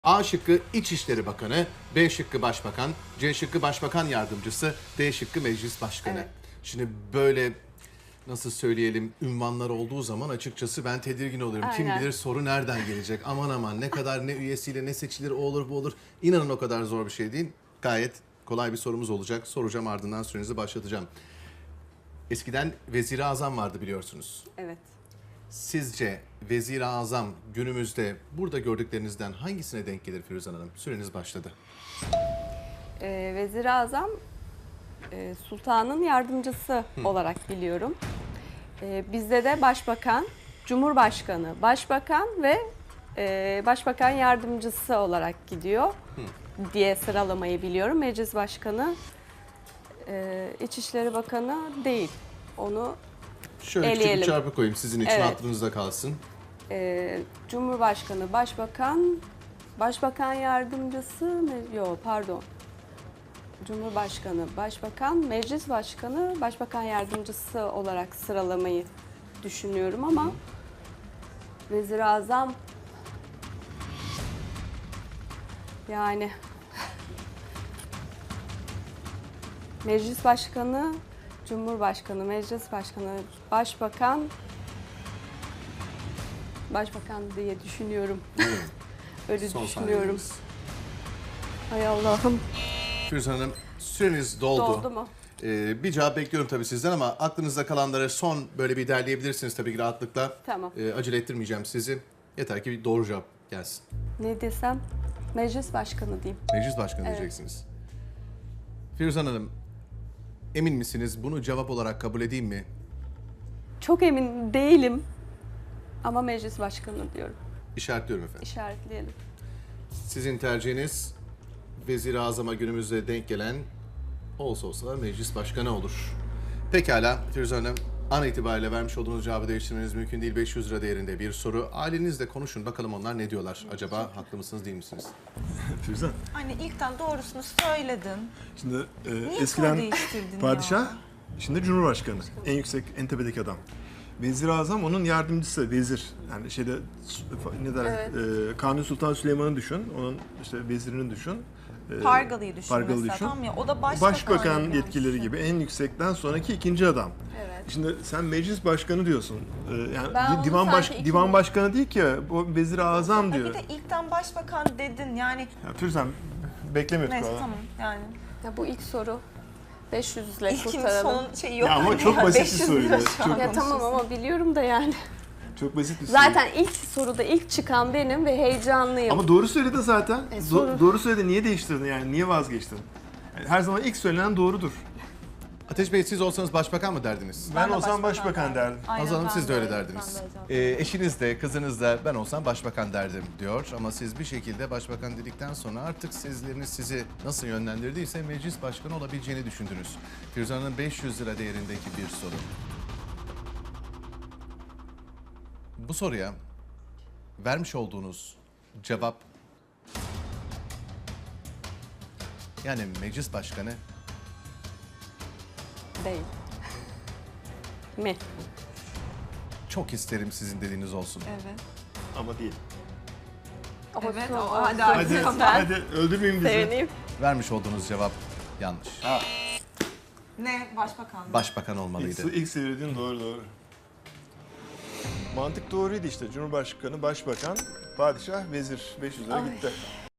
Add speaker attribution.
Speaker 1: A şıkkı İçişleri Bakanı, B şıkkı Başbakan, C şıkkı Başbakan Yardımcısı, D şıkkı Meclis Başkanı.
Speaker 2: Evet.
Speaker 1: Şimdi böyle nasıl söyleyelim ünvanlar olduğu zaman açıkçası ben tedirgin oluyorum. Kim
Speaker 2: Aynen.
Speaker 1: bilir soru nereden gelecek? Aman aman ne kadar ne üyesiyle ne seçilir o olur bu olur. İnanın o kadar zor bir şey değil. Gayet kolay bir sorumuz olacak. Soracağım ardından sürenizi başlatacağım. Eskiden Vezir-i Azam vardı biliyorsunuz.
Speaker 2: Evet.
Speaker 1: Sizce Vezir-i Azam günümüzde burada gördüklerinizden hangisine denk gelir Firuzan Hanım? Süreniz başladı.
Speaker 2: Vezir-i Azam sultanın yardımcısı olarak biliyorum. Bizde de başbakan, cumhurbaşkanı, başbakan ve başbakan yardımcısı olarak gidiyor diye sıralamayı biliyorum. Meclis başkanı, İçişleri Bakanı değil. Onu
Speaker 1: Şöyle küçük bir
Speaker 2: eleyelim.
Speaker 1: çarpı koyayım sizin için
Speaker 2: Evet.
Speaker 1: aklınızda kalsın.
Speaker 2: Cumhurbaşkanı, başbakan, başbakan yardımcısı mı? Yok, pardon. Cumhurbaşkanı, başbakan, meclis başkanı, başbakan yardımcısı olarak sıralamayı düşünüyorum ama Vezir-i Azam yani meclis başkanı, cumhurbaşkanı, meclis başkanı, başbakan diye düşünüyorum. Öyle
Speaker 1: Son
Speaker 2: düşünüyorum.
Speaker 1: saniyeniz.
Speaker 2: Hay Allah'ım.
Speaker 1: Firuzan Hanım süreniz doldu.
Speaker 2: Doldu mu?
Speaker 1: Bir cevap bekliyorum tabii sizden ama aklınızda kalanları son böyle bir derleyebilirsiniz tabii ki rahatlıkla.
Speaker 2: Tamam.
Speaker 1: Acele ettirmeyeceğim sizi. Yeter ki bir doğru cevap gelsin.
Speaker 2: Ne desem? Meclis başkanı diyeyim.
Speaker 1: Meclis Başkanı
Speaker 2: Evet.
Speaker 1: diyeceksiniz. Firuzan Hanım emin misiniz? Bunu cevap olarak kabul edeyim mi?
Speaker 2: Çok emin değilim ama meclis başkanı diyorum.
Speaker 1: İşaretliyorum efendim.
Speaker 2: İşaretleyelim.
Speaker 1: Sizin tercihiniz Vezir-i Azam'a günümüzde denk gelen olsa olsa meclis başkanı olur. Pekala Firuzan Hanım an itibariyle vermiş olduğunuz cevabı değiştirmeniz mümkün değil. 500 lira değerinde bir soru. Ailenizle konuşun bakalım onlar ne diyorlar? Acaba haklı mısınız değil misiniz?
Speaker 3: Firuzan,
Speaker 4: Anne ilkten doğrusunu söyledin.
Speaker 3: şimdi
Speaker 4: Niye
Speaker 3: eskiden
Speaker 4: soru değiştirdin
Speaker 3: padişah,
Speaker 4: ya?
Speaker 3: şimdi cumhurbaşkanı. En yüksek, en tepedeki adam. Vezir-i Azam onun yardımcısı, vezir. Yani şeyde ne derler, Kanuni Sultan Süleyman'ı düşün, onun işte vezirini düşün.
Speaker 4: Pargalı'yı düşün
Speaker 3: Pargalı
Speaker 4: mesela,
Speaker 3: düşün.
Speaker 4: tamam ya, o da
Speaker 3: Başbakan
Speaker 4: yani.
Speaker 3: yetkileri gibi en yüksekten sonraki ikinci adam.
Speaker 2: Evet.
Speaker 3: Şimdi sen meclis başkanı diyorsun. Yani
Speaker 2: Ben onu
Speaker 3: divan
Speaker 2: sanki
Speaker 3: divan
Speaker 2: ikinci-
Speaker 3: başkanı değil ki, bu Vezir-i Azam
Speaker 4: Ay,
Speaker 3: diyor.
Speaker 4: bir de ilkten başbakan dedin yani.
Speaker 3: Ya Firuzan, beklemiyorduk
Speaker 4: Neyse
Speaker 3: valla.
Speaker 4: tamam yani.
Speaker 2: Ya bu ilk soru 500 ile
Speaker 4: İlkin
Speaker 2: kurtaralım.
Speaker 4: son şeyi yok.
Speaker 3: Ya ama
Speaker 4: hani
Speaker 3: çok
Speaker 4: ya,
Speaker 3: basit bir
Speaker 4: 500
Speaker 3: soruydu.
Speaker 4: lira şu an
Speaker 3: Çok-
Speaker 2: Ya tamam ama biliyorum da yani.
Speaker 3: Çok basit bir soru.
Speaker 2: Zaten ilk soruda ilk çıkan benim ve heyecanlıyım.
Speaker 3: Ama doğru söyledi zaten.
Speaker 2: soru-
Speaker 3: Doğru söyledi. Niye değiştirdin yani? Niye vazgeçtin? Yani her zaman ilk söylenen doğrudur.
Speaker 1: Ateş Bey siz olsanız başbakan mı derdiniz?
Speaker 3: Ben
Speaker 4: de
Speaker 3: olsam başbakan derdim.
Speaker 4: Aynen,
Speaker 1: Azal Hanım
Speaker 4: ben
Speaker 1: siz de öyle
Speaker 4: öyle,
Speaker 1: derdiniz.
Speaker 4: ben de öyle cevap
Speaker 1: Eşiniz de kızınız da ben olsam başbakan derdim diyor. Ama siz bir şekilde başbakan dedikten sonra artık sezgileriniz sizi nasıl yönlendirdiyse meclis başkanı olabileceğini düşündünüz. Firuzan Hanım 500 lira değerindeki bir soru. Bu soruya vermiş olduğunuz cevap yani meclis başkanı
Speaker 2: Değil. Mi?
Speaker 1: çok isterim sizin dediğiniz olsun.
Speaker 4: Evet.
Speaker 3: Ama değil.
Speaker 4: Evet,
Speaker 2: Olsun,
Speaker 4: hadi
Speaker 2: olsun.
Speaker 4: artık.
Speaker 3: Hadi öldürmeyin bizi.
Speaker 2: Sevineyim.
Speaker 1: Vermiş olduğunuz cevap yanlış.
Speaker 4: Ne başbakan mı?
Speaker 1: Başbakan olmalıydı.
Speaker 3: İlk söylediğin doğru. Mantık doğruydu işte. Cumhurbaşkanı, başbakan, padişah, vezir. 500 lira gitti.